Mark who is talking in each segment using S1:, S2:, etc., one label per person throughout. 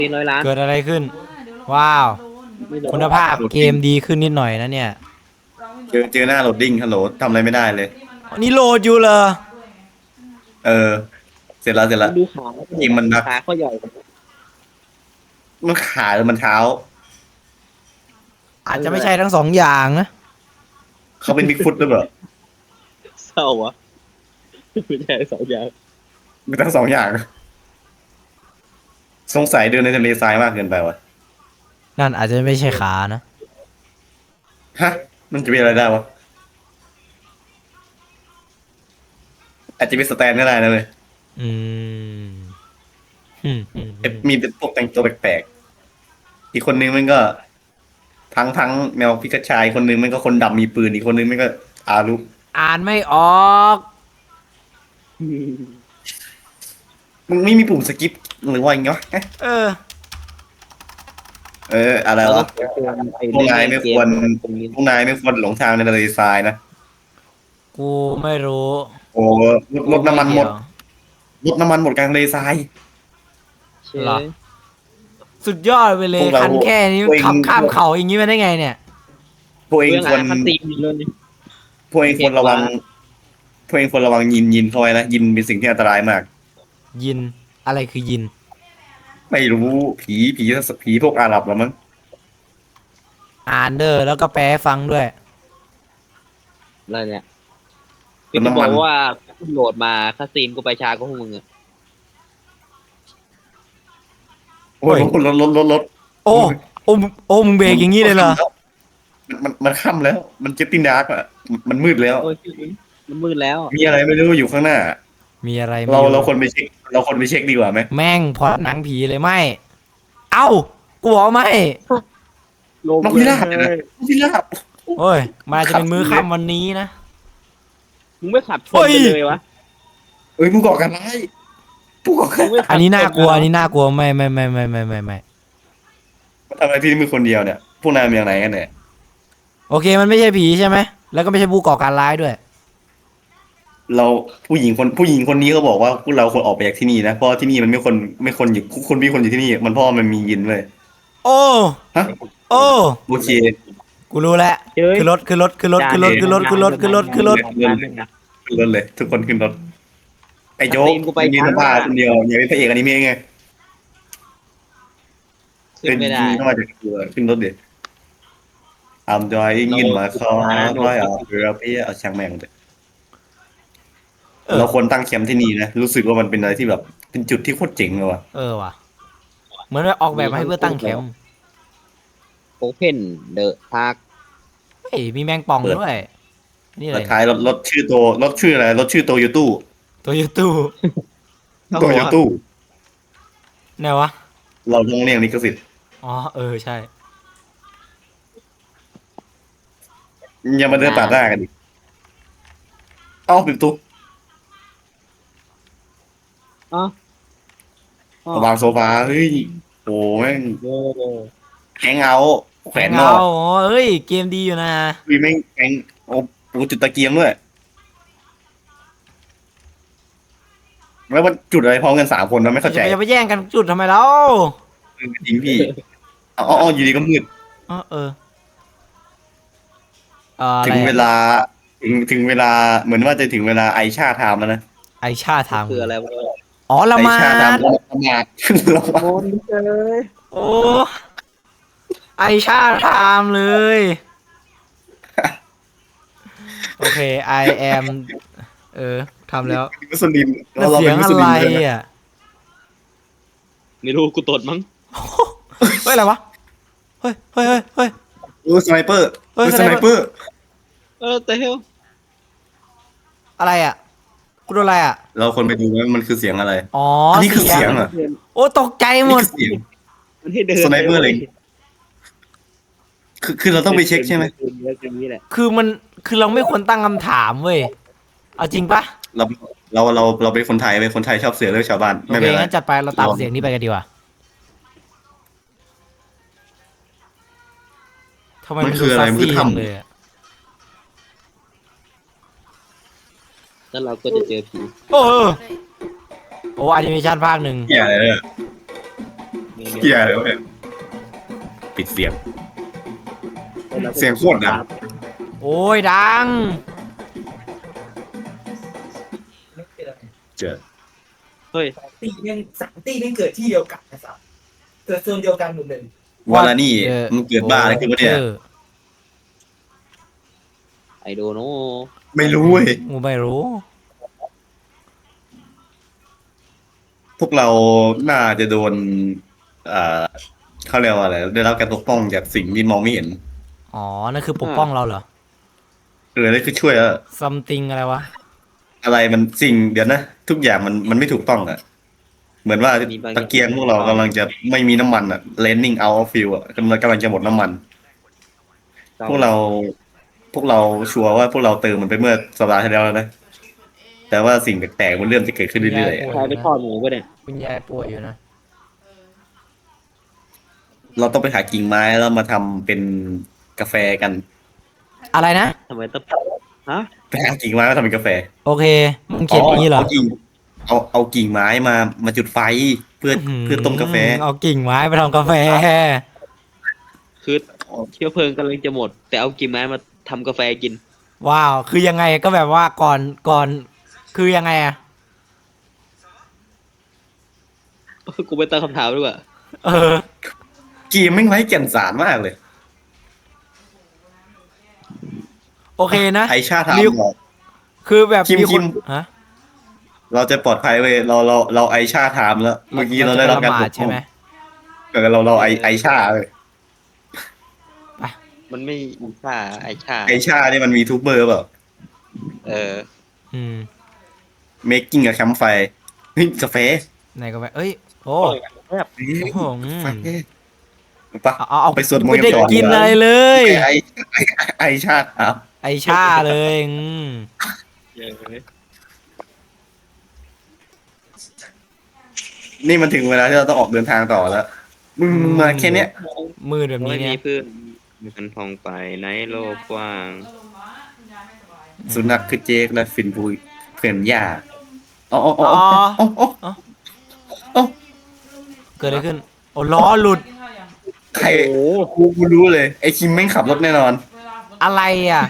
S1: 400 ล้าน
S2: เกิดอะไรขึ้นว้าว
S1: ไม่รู้
S2: คุณภาพเกมดีขึ้นนิดหน่อยนะเนี่ย
S3: เจอหน้าโหลดดิ้งฮัลโหลทำอะไรไม่ได้เลย
S2: นี่โหลดอยู่เหรอ
S3: เออเสร็จแล้วเสร็จแล้ว
S1: มันดูขา
S3: จริงมันนะ
S1: ขาเขาใหญ่
S3: มันขาหรือมันเท้า
S2: อาจจะไม่ใช่ทั้งสองอย่างนะ
S3: เขาเป็นบิ๊กฟุตหรือเปล่า
S1: เศร้าวะไม่ใช่2 อย่าง
S3: มีทั้งสองอย่างสงสัยเดินในทะเลทรายมากเกินไปวะ
S2: นั่นอาจจะไม่ใช่ขานะ
S3: ฮะมันจะเป็นอะไรได้วะอาจจะเป็นสแตนก็ได้นะเลย
S2: อืม
S3: มีเป็นพวกแต่งตัวแปลกๆอีกคนนึงมันก็ทั้งแมวพิกาชายคนนึงมันก็คนดำมีปืนอีกคนนึงมันก็อารุ
S2: อ่านไม่ออก
S3: มึงไม่มีปุ่มสกิปหรือว่าอย่างเงี้ย
S2: เออ
S3: อะไร
S1: เราต้อ
S3: วะ
S1: งเตือนไอ้
S3: พวกนาย
S1: เล่น
S3: ไม่ควร
S1: ตรงนี้
S3: พวกนายไม่ควรหลงทางในทะเลทรายนะ
S2: กูไม่รู้
S3: โอ้รถน้ำมันหมดรถน้ำมันหมดกลางทะเลทราย
S1: เช่
S2: เหรอสุดยอดไปเล
S3: พ
S2: ยว
S3: กเรา
S2: คันแค่นี้
S3: พวกเอง
S2: ขับข้ามเขาอย่างนี้มาได้ไงเนี่ย
S3: พวกเอง
S1: เรื่อง
S3: ควร
S1: คันตีมเลยนี่
S3: พวกเองควรระวังพวกเองควรระวังยินเข้าไว้นะยินเป็นสิ่งที่อันตรายมาก
S2: ยินอะไรคือยิน
S3: ไม่รู้ผีพวกอาหรับหรอมั้ง
S2: อ่านเด้อแล้วก็แปลให้ฟังด้วย
S1: อะไรเนี่ย
S3: รถ
S1: พี่จะ
S3: น้ำ
S1: บ
S3: มั
S1: อน กว่ากูโหลดมาคาซีนกูไปช้ากว่าพวกมึงอะ
S3: โอ้ยรถ
S2: โอ้มึงเบรกอย่างนี้เลยเหรอ
S3: มันค่ำแล้ว มันเจ็ตติ้งดาร์กอ่ะมันมืดแล้ว
S1: โอ้ยมันมืดแล้ว
S3: มีอะไรไม่รู้อยู่ข้างหน้า
S2: มีอะไรไม่
S3: เรา
S2: รู้
S3: คนไปเช็คเราคนไปเช็คดีกว่าไหม
S2: แม่งพอหนังผีเลยไม่เอ้ากูบอกไม่
S3: นกพิราบนะนกพิราบ
S2: โอ้ยมันอาจจะเป็นมื้อค่ำวันนี้นะ
S1: มึงไม่ขับชน
S2: เฮ้ย
S1: ไปเลยวะ
S3: เอ้ยผู้ก่อการร้ายผู้ก่อการ
S1: มึงไม่ขับ
S2: อันนี้น่ากลัว
S1: ช
S2: อันนี้น่ากลัวไม่
S3: ทำอะไรที่นี่มือคนเดียวเนี่ยพวกนายเป็นอย่างไรกันเนี่ย
S2: โอเคมันไม่ใช่ผีใช่ไหมแล้วก็ไม่ใช่ผู้ก่อการร้ายด้วย
S3: เราผู้หญิงคนนี้เขาบอกว่าพวกเราควรออกไปจากที่นี่นะเพราะที่นี่มันไม่คนอยู่คนมีคนอยู่ที่นี่มันเพราะมันมียินเลย
S2: โอ้
S3: ฮะ
S2: โอ้
S3: โอเค
S2: กูรู้แล้ว
S1: เฮ้ย
S2: คือรถคือรถคือรถคือรถคือรถคือรถคือรถคือรถ
S3: ขึ้นรถเลย ทุกคนขึ้นรถไอ้โจ๊ก
S1: ตีนกูไป
S3: มีสภาพคนเดียวอย่าเป็นพระเอกอนิเมะไง
S1: ขึ้นไม่ได้
S3: เข้ามาจากตัวขึ้นรถเด็ดทำจอยยินมาคอร้อยเรือพี่เอาช่างแม่งเลยเราควรตั้งแคมป์ที่นี่นะรู้สึกว่ามันเป็นอะไรที่แบบเป็นจุดที่โคตรเจ๋งเลยว่ะ
S2: ว่ะเหมือนว่าออกแบบมาให้เพื่อตั้งแคมป์
S1: โอเพนเดอะพาร์ค
S2: เฮ้ยมีแมงป่องด้วยนี่อะไร
S3: สุดท้ายรถชื่อตัวรถชื่ออะไรรถชื่อโตโยตู้
S2: ตัวยูทู
S3: โตโยตู้
S2: ไหนวะ
S3: เราต้องเรียกลิขสิทธิ์
S2: อ๋อใช่
S3: อย่ามาเดินตัดหน้ากันดิเอ้าปิดตุ๊ก
S1: อ๋อ
S3: วางโซฟาเฮ้ยโอ้แม่ง
S1: โอ้
S3: แฮงเอาท์แขวนนอก
S2: อ๋อเอ้ยเกมดีอยู่นะ
S3: วีแม่งแฮงโอ้โหจุดตะเกียงด้วยแล้วมันจุดอะไรพร้อมกัน3 คนนะไม่เข้าใจ
S2: จะไปแย่งกันจุดทำไมเล่า
S3: จริงพี่อ๋ออยู่ดีก็มืด
S2: อะไร
S3: ถึงเวลาถึงเวลาเหมือนว่าจะถึงเวลาไอชาไทม์แล้วนะ
S2: ไอชาทาง
S1: คืออะไรวะ
S2: อ๋อละ
S3: ไอ
S2: มา
S3: ชาไท
S2: ด
S3: ม์ละหมาดละหมาด
S1: โอนเลย
S2: โอ้ไอชาทามเลย โอเค I am ทำแล้ว
S3: มุสลิม
S2: แล้ว
S3: เรา
S2: เสี
S3: เป็
S2: ยง
S3: นมุ
S2: อะ
S3: สลิ
S2: ไร
S3: มเลยนะ
S2: อ่ะ
S1: ไม่รู้กูตดมั้ง
S2: เฮ้ยอะไรวะเฮ้ย
S3: โอ้สไนเปอร์
S2: เฮ้ย
S3: สไนเปอร์
S1: แต่เฮล
S2: อะไรอ่ะกูโดนอะไรอ่ะ
S3: เราคนไปดูว่ามันคือเสียงอะไร
S2: อ๋อ
S3: อันนี้คือเสียงเหรอ
S2: โอ้ตกใจหม
S3: นี่
S2: ด
S3: คือเสียง
S1: มันให้เดิน
S3: สไนเปอร์อะไร คือเราต้องไปเช็คใช่ไหม
S1: อย่างนี้แหละ
S2: คือเราไม่ควรตั้งคำถามเว้ยเอาจริงปะ
S3: เราเป็นคนไทยเป็นคนไทยชอบเสือเรื่องชาวบ้าน
S2: โอ
S3: ไม่
S2: เค
S3: เป็นไร
S2: งั้นจัดไปเราตามเสียงนี้ไปกันดีกว่าทำไมมันดูซัสซี่จังเลยอะ
S1: แล้วเราก็จะเจอผี
S2: โอ้แอนิเมชันภาค 1
S3: เหี้ยอะไรเนี่ยเกียร์เลยวะเนี่ยปิดเสียง เสียงโคตรดัง
S2: โอ้ยดัง
S3: เจอ
S1: เฮ้ย
S4: ตีแม่งเกิดที่เดียวกันนะครับเกิดโซนเดียวกันหมดเลย
S3: วาลานี่มันเกิดบ้าอะไรขึ้นวะเนี่ย
S1: ไอโดโน
S3: ไม่รู้เว้ย
S2: กูไม่รู้
S3: พวกเราน่าจะโดนเขาเรียกว่าอะไรได้รับการปกป้องจากสิ่งที่มองไม่เห็น
S2: อ๋อ นั่นคือปกป้องเราเหรอ
S3: นั่นคือช่วยแล้ว
S2: something อะไรวะ
S3: อะไรมันสิ่งเดี๋ยวนะ ทุกอย่างมันไม่ถูกต้องอ่ะ เหมือนว่าตะเกียงพวกเรากำลังจะไม่มีน้ำมันอ่ะ running out of fuel อ่ะกำลังจะหมดน้ำมัน พวกเราชัวร์ว่าพวกเราเติมมันไปเมื่อสัปดาห์ที่แล้วแล้วนะ แต่ว่าสิ่งแปลกๆมันเริ่มจะเกิดขึ้นเรื่อย
S1: ใครไปทอดหมูปะเนี่ย
S2: คุณยายป่วยอยู่นะ
S3: ๆเราต้องไปหากิ่งไม้แล้วมาทำเป็นกาแฟกัน
S2: อะไรนะ
S1: ทำไมต้องฮะ
S3: ไปหากิ่งไม้มาทำเป็นกาแฟ
S2: โอเค มึงเขียนอย่างนี้เหรอ
S3: เอากิ่งไม้มาจุดไฟเพื่อต้มกาแฟ
S2: เอากิ่งไม้ไปทำกาแฟ
S1: คือเชื้อเพลิงกำลังจะหมด แต่เอากิ่งไม้มาทำกาแฟกิน
S2: ว้าว คือยังไงก็แบบว่าก่อน คือยังไงอะ
S1: กูไปตั้งคำถามด้วยว่า
S2: เออ
S3: กีมไม่งไร้แก่นสารมากเลย
S2: โอเคนะ
S3: ไอชาถาม
S2: มี
S3: บอก
S2: คือแบบ
S3: คิม
S2: มีค
S3: คิ
S2: น
S3: ม
S2: ฮะ
S3: เราจะปลอดภัยเว้ยเราไอชาถามแล้ว เมื่อกี้เราได้รับการปกป้
S2: ใช่
S3: อง
S2: ไหม
S3: เราไอชาเลย
S1: มันไม่มีค่าไอชา
S3: ไอชาเนี่ยมันมีทูบเบอร์เปล่า
S1: เออ
S2: อืม
S3: making a campfire เฮ้ยกาแฟ
S2: ไหนกาแฟเอ้ย โอ้
S1: แบบ
S2: โอ้โหอืม
S3: กาแฟปะ
S2: เอา
S3: ไปสวดมนต์
S2: ไม่ได้
S3: กันก่อน
S2: กินอะไรเลย
S3: ไอชาถาม
S2: ไอชาเลยอืม
S3: นี่มันถึงเวลาที่เราต้องออกเดินทางต่อแล้ว มึงมาแค่เนี้ย
S2: มืดแบบนี้
S1: ไม่
S2: เนี่
S1: มี
S2: ย
S1: เพื่อนมันพองไปในโลกกว้าง
S3: สุนัขคือเจคและฟินบุยเพื่อนย่าอ๋อ
S2: เกิดอะไรขึ้น โอ้ล้อหลุด
S3: ใครกูรู้เลย ไอคิมแม่งขับรถแน่นอน
S2: อะไรอ่ะ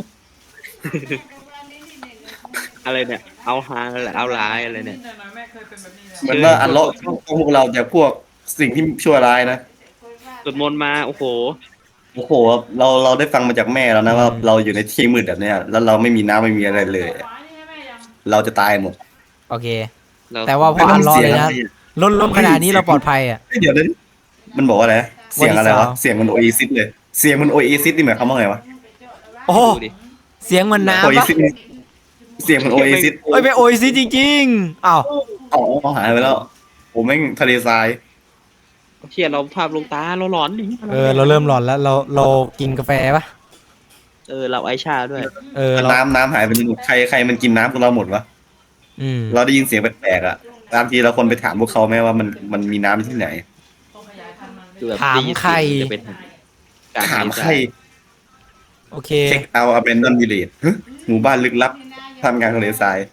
S1: อะไรเนี่ย เอาฮาอะไรเอาร้ายอะไรเนี่ย
S3: เหมือนว่าอันเลาะพวกเราจากพวกสิ่งที่ชั่วร้ายนะ
S1: สวดมนต์มาโอ้โห
S3: โอ้โหเราได้ฟังมาจากแม่แล้วนะว่าเราอยู่ในที่มืดแบบเนี้ยแล้วเราไม่มีน้ำไม่มีอะไรเลย เราจะตายหมด
S2: โอเค
S1: เรา
S2: แต่ว่าพออันล้อเลยนะล้มขนาดนี้เราปลอดภัยอ่ะ
S3: เดี๋ยวนะมันบอกว่าอะไรนะเสียงอะไรวะ
S2: วันที่สอง
S3: เสียงมันโอเอซิสเลย เสียงมันโอเอซิสนี่หมายความว่าไงวะ
S2: โอ้
S1: ดูดิ
S2: เสียงเหมัน
S3: โอ
S2: น้ำ
S3: เอ
S2: ปะ
S3: ซิสเสียงมันโอเอซิส
S2: เอ้ยไปโอยซิจริงๆอ้าว
S3: อ๋อหายไปแล้วผมแม่งทะเลทราย
S1: เชียเราภาพลงตาเราหลอนดิ
S2: เราเริ่มหลอนแล้วเรากินกาแฟปะ
S1: เราไอชาด้วย
S2: เรา
S3: น้ำหายไปหมดใครมันกินน้ำของเราหมดวะ
S2: อืม
S3: เราได้ยินเสียงแปลกๆอ่ะบางทีเราคนไปถามพวกเขาไหมว่ามันมีน้ำที่ไหน
S1: คือแบบ
S2: ถามใคร
S1: จะเป็นการ
S3: ถามใคร
S2: โอเค
S3: เช็คเอาอเบนดอนวิลเลจหมู่บ้านลึกลับทำงานทะเลทราย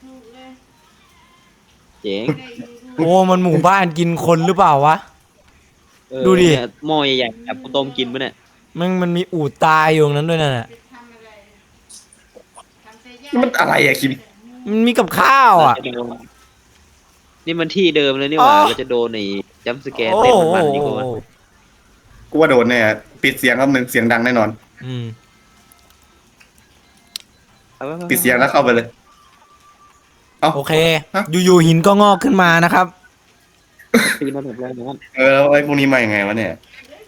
S1: เจ๋ง
S2: โอ้มันหมู่บ้านกินคนหรือเปล่าวะ ดูดิ
S1: เนี่ยหม้อใหญ่ๆแบบกูต้มกินปะเนี่ย
S2: มันมีอูดตายอยู่ตรงนั้นด้วยนั่นน่ะ
S3: มันอะไรอะคิม
S2: มันมีกับข้าวอ่ะ
S1: เราจะโดนนี่มันที่เดิมเลยนี่หว่า
S2: อ๋อ
S1: เราจะโดนในจัมป์สแกร์
S2: โอ้
S1: เต็ม
S2: โห
S1: มันนี่กูว่า
S3: กูว่าโดนแน่ปิดเสียงครับนึงเสียงดังแน่นอน
S2: อืม
S3: ปิดเสียงแล้วเข้าไปเลย
S2: โอเค
S3: ฮะ
S2: อยู่ๆหินก็งอกขึ้นมานะครับ
S1: ตีนมาแบบแรกนะครับ
S3: แล้วไอ้พวกนี้มาอย่างไงวะเนี่ย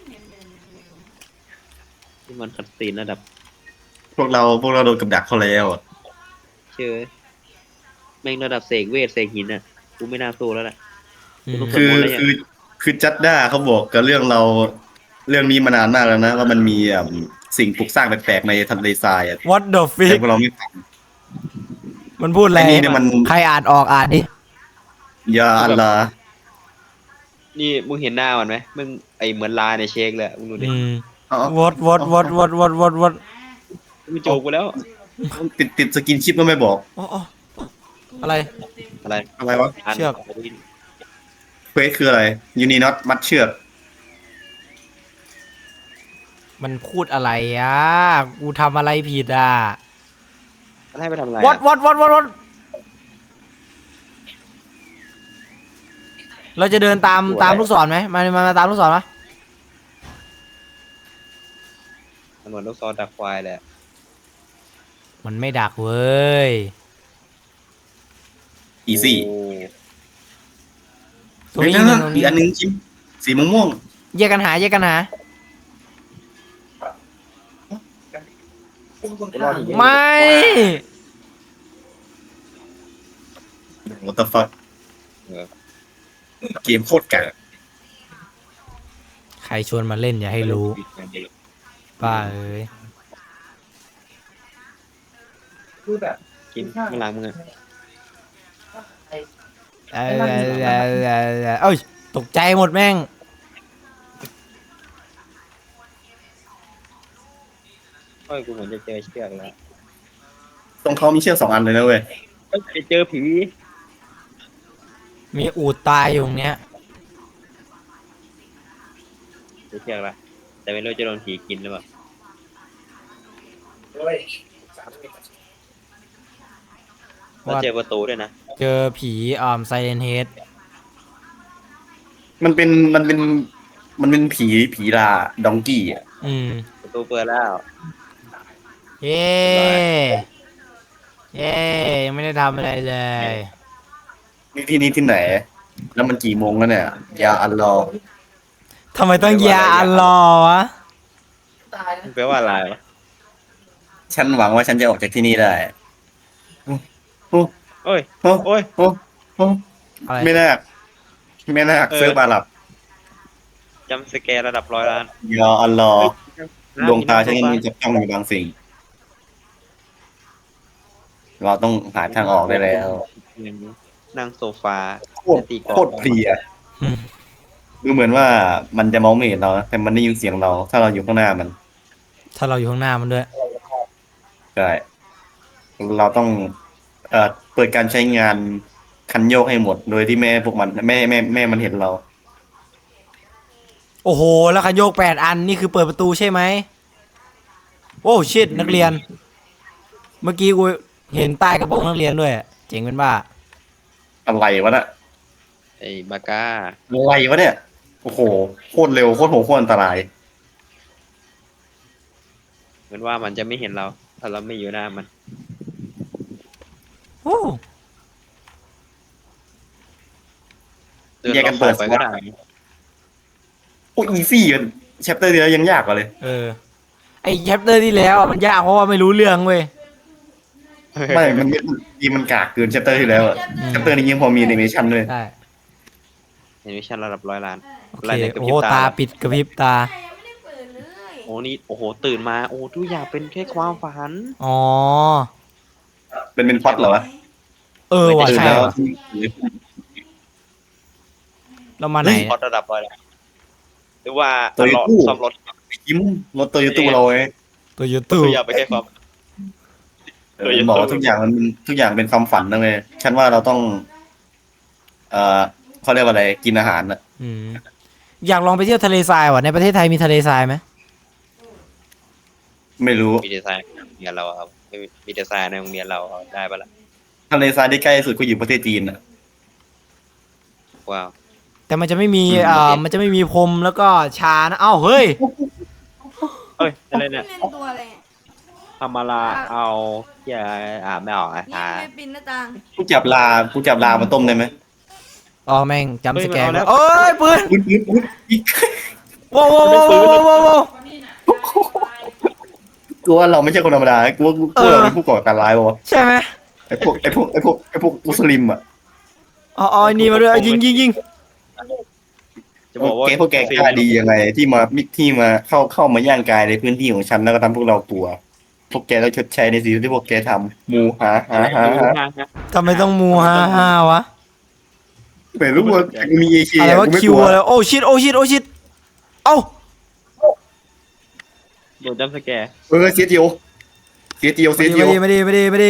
S1: ที่มันคัดตีนระดับ
S3: พวกเราโดนกับดักเขาแล้วอะ
S1: เชื่อแม่งระดับเสกเวทเสกหินอ่ะกูไม่น่าสู้แล้วแหละ
S2: อืม
S3: คือจัดด้าเขาบอกกับเรื่องนี้มานานมากแล้วนะว่ามันมีสิ่งปลูกสร้างแปลกๆในทะเลทรายอะ
S2: What the
S3: แต่
S2: fuck
S3: พวกเราไม่ฟัง
S2: มันพูดอะไร
S3: ไอ้นี่เนี่ยมัน
S2: ใครอ่านออกอ่านดิ
S3: ยาอัลลา
S1: นี่มึงเห็นหน้ามันไหมมึงไอเหมือนลาในเชคเลยอะมึงดูดิ
S2: อืม
S3: อ๋อ
S2: what
S1: มึงโจกกูแล้ว
S3: ติดสกินชิปก็ไม่บอก
S2: อ๋ออะไร
S1: อะไร
S3: อะไรวะ
S2: เชือก
S3: เควสคืออะไรยูนีน็อตมัดเชือก
S2: มันพูดอะไรอ่ะกูทำอะไรผิดอ่ะ
S1: ให้ไปทำอะไร
S2: วัดเราจะเดินตามลูกศรไหมมาตามลูกศรไหม
S1: มันเหมือนลูกซอนดักควายแหละ
S2: มันไม่ดักเว้ย
S3: อีซี่
S2: ตรงนี้
S3: เดี๋ยว
S2: ตรง
S3: อี
S2: นี้
S3: กอันนึงชิมสีม่วง
S2: แยกกันหา ไม่
S3: ๆ what the fuck เกมโคตรกาก
S2: ใครชวนมาเล่นอย่าให้รู้ป้าเอ้ย
S4: คือแบบ
S1: กินมันล้างมือ
S2: เอ้ยตกใจหมดแม่ง
S1: โอ้ยกูเหมือนจะเจอเชือกแล้ว
S3: ตรงเขามีเชือก2 อันเลยนะเว้ย
S1: ไปเจอผี
S2: มีอูดตายอยู่ตรงเนี้ย
S1: เจอเชือกละแต่ไม่รู้จะโดนผีกินหรือเปล่า
S4: ด้วย
S1: เราเจอประตูด้วยนะ
S2: เจอผีไซเลนเฮด
S3: มันเป็นผีลาดองกี้อ่ะ
S1: ประตูเปิดแล้ว
S2: เย้ยังไม่ได้ทำอะไรเลย
S3: นี่ที่นี่ที่ไหน แล้วมันกี่โมงแล้วเนี่ยยาอันรอ
S2: ทำไมต้องยาอันรอวะ
S4: ตายนะ
S1: แปลว่าอะไรวะ
S3: ฉันหวังว่าฉันจะออกจากที่นี่ได้โอ้
S1: โอ้ย
S3: โอ้
S1: โอ้ย
S3: โอ้โอ้
S2: อะไร
S3: ไม่น่าเซิร์ฟอาหรับ
S1: จำสแกร์ระดับ100 ล้าน
S3: ยาอัลลอฮ์ดวงตาฉันยังมีจับจ้องอยู่บางสิ่ง เราต้องหาทางออกได้แล้ว
S1: นั่งโซฟา
S3: โคตรเพลียดูเหมือนว่ามันจะมองไม่เห็นเรานะแต่มันได้ยินเสียงเรา ถ้าเราอยู่ข้างหน้ามัน
S2: ถ้าเราอยู่ข้างหน้ามันด้วย
S3: ใช่เราต้องเปิดการใช้งานคันโยกให้หมด โดยที่แม่พวกมันแม่มันเห็นเรา
S2: โอ้โห แล้วคันโยก8 อันนี่คือเปิดประตูใช่ไหม โอ้ชิตนักเรียน เมื่อกี้กูเห็นใต้กระโปรงนักเรียนด้วย เจ๋งเป็นบ้า
S3: อะไรวะน่ะ
S1: ไอ้บาก้า
S3: อะไรวะเนี่ย โอ้โห โคตรเร็ว โคตรโหดโคตรอันตราย
S1: เหมือนว่ามันจะไม่เห็นเรา ถ้าเราไม่อยู่หน้ามัน
S2: โอ้
S1: เดิน
S3: แยกกัน
S1: ร
S3: เปิ
S1: อ
S3: ด
S1: บๆไปก็ได้
S3: โอ้อีซี่กันแชปเตอร์เดียวยังยากกว่าเลย
S2: ไอแชปเตอร์ที่แล้วอะมันยากเพราะว่าไม่รู้เรื่องเว้ย
S3: ไม่มันกากเกินแชปเตอร์ที่แล้วอะแชปเตอร์นี้ยังพอมีแอนิเมชันด้วย
S2: ใช่
S1: เห็นวิชั่นระดับ100 ล้าน
S2: โอ
S1: อะไร
S2: เค
S1: เนี่ยกระ
S2: โอ้
S1: พริ
S2: โห
S1: บ
S2: ตา
S1: ตา
S2: ปิดกระพริบตา
S5: ยังไม่ได้เปิดเลย
S1: โอ้นี่โอ้โหตื่นมาโอ้ทุกอย่างเป็นแค่ความฝัน
S2: อ๋อ
S3: เป็นพล็อตเหรอวะ
S2: ว่ะ
S3: ตื่น
S2: ใช่
S3: แล้ว
S2: ว่ะเรามาไหน
S1: พอระดับ100 ล้านหรือว่า
S3: ตัว
S1: รอ
S3: ตู้
S1: ซ่อมรถ
S3: ยิ้มรถโตโยต้เราไง
S2: ตัวยูทูบ
S1: ทุกอย่างไปนแค่ความ
S3: มันบอกว่าทุกอย่างเป็นความฝันนะเว้ยฉันว่าเราต้อง เขาเรียกว่าอะไรกินอาหารอะ
S2: อยากลองไปเที่ยวทะเลทรายว่ะในประเทศไทยมีทะเลทรายไหม
S3: ไม่รู้
S1: มีดีไซน์ในโรงเรียนเราครับไม่มีดีไซน์ในโรงเรียนเราได้ปะล่ะ
S3: ทะเลทรายที่ใกล้สุดก็อยู่ประเทศจีนอะ
S1: ว้าว
S2: แต่มันจะไม่มี
S3: อืม
S2: มันจะไม่มีพรมแล้วก็ชานะเอ้าเฮ้ย
S1: เฮ้ยอะไรเนี่ย
S5: เล่นตัวอะไรเนี่ย
S1: ทำมาลาเอาอย่าไม่ออก
S5: นี่
S1: อ่ะ
S5: ไม่ปินหน้าต่าง
S3: กูจับลามาต้มได้ไหม
S2: อ๋อแม่งจำสแกน
S1: เฮ้ยมันเอาแล้ว
S2: โอ้ยปืน
S3: อุ๊ยอีก
S2: ว้าวว้าวว้าวว้าวว้าว
S3: กูว่าเราไม่ใช่คนธรรมดากูว่าเราเป็นผู้ก่อการร้ายป่ะวะ
S2: ใช่ไหม
S3: ไอ้พวกมุสลิมอะ
S2: อ๋อนี่มาด้วยยิง
S1: จะบอกว่า
S3: พวกแกกล้าดียังไงที่มาเข้ามาย่างกายในพื้นที่ของฉันแล้วก็ทำพวกเรากลัว พวกแกต้องชดใช้ในสิ่งที่พวกแกทำมูหา
S2: ทำไมต้องมูฮ่าวะ
S3: ไม่รู้ว่ากูมีเอเชีย
S2: อะไรวะ
S3: กูไม่
S2: คิ
S3: ก
S2: ว
S3: ลัว
S2: อะไรโอ้ชิตเอ้า
S1: โดนจำสแกร์
S3: เสียเจียว
S2: ไม่ดี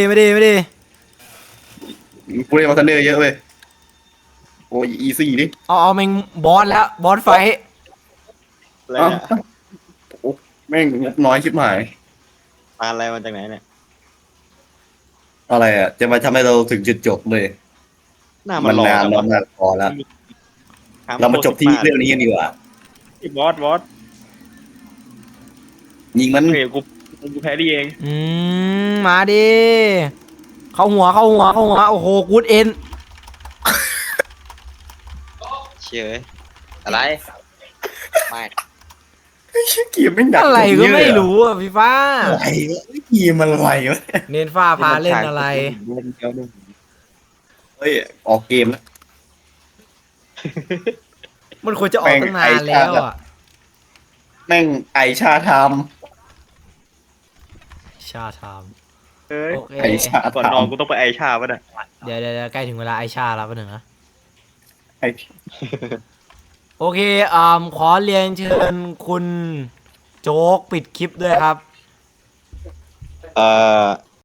S3: กูเล่นมาทันเดอร์เยอะเว้ยโอ้ยอีซี่ดิ
S2: เอาแม่งบอสแล้วบอสไฟท์
S1: อะไรเนี่ย
S3: แม่งงบน้อยชิบหาย
S1: ปลาอะไรมาจากไหนเนี่ย
S3: อะไรอ่ะ จะมาทำให้เราถึงจุดจบเลย
S1: หน้ามั
S3: มัน น
S1: หล่อน
S3: าน
S1: จัง
S3: แล้ว
S1: วะ
S3: นานพอแล้ว เรามาจบที่เรื่องนี้กันดีกว่า
S1: ไอ้บอส
S3: ยิงมัน
S1: เฮ้ยกูแพ้ดีเอง
S2: มาดิ เข้าหัว โอ้โหกูดเอ็น
S1: เชื่ออะไรไม่
S3: เกียร์ไม่งดัก
S2: อะไรก็
S3: เย
S2: ไม่รู้อ่ะพี่ฟ้า
S3: อะไรวะเกียร์มันอะไรวะ
S2: เน้นฟ้าพาเล่นอะไร
S3: เฮ้ยออกเกมแล้ว
S2: มันควรจะออกตั้งนานแล้วอ่ะ
S3: แม่งไอชาไทม์
S2: ชาทาม
S1: เอ้ย
S2: โอเค
S3: ไอชา
S1: ก่อน
S3: ไท
S1: นอน
S3: ม์
S1: กูต้องไปไอชาป่ะเนี่ย
S2: เดี๋ยวใกล้ถึงเวลาไอชาแล้วป่ะหนึ่งนะ
S3: ไอ
S2: โอเคขอเรียนเชิญคุณโจ๊กปิดคลิปด้วยครับ
S1: เอ่อ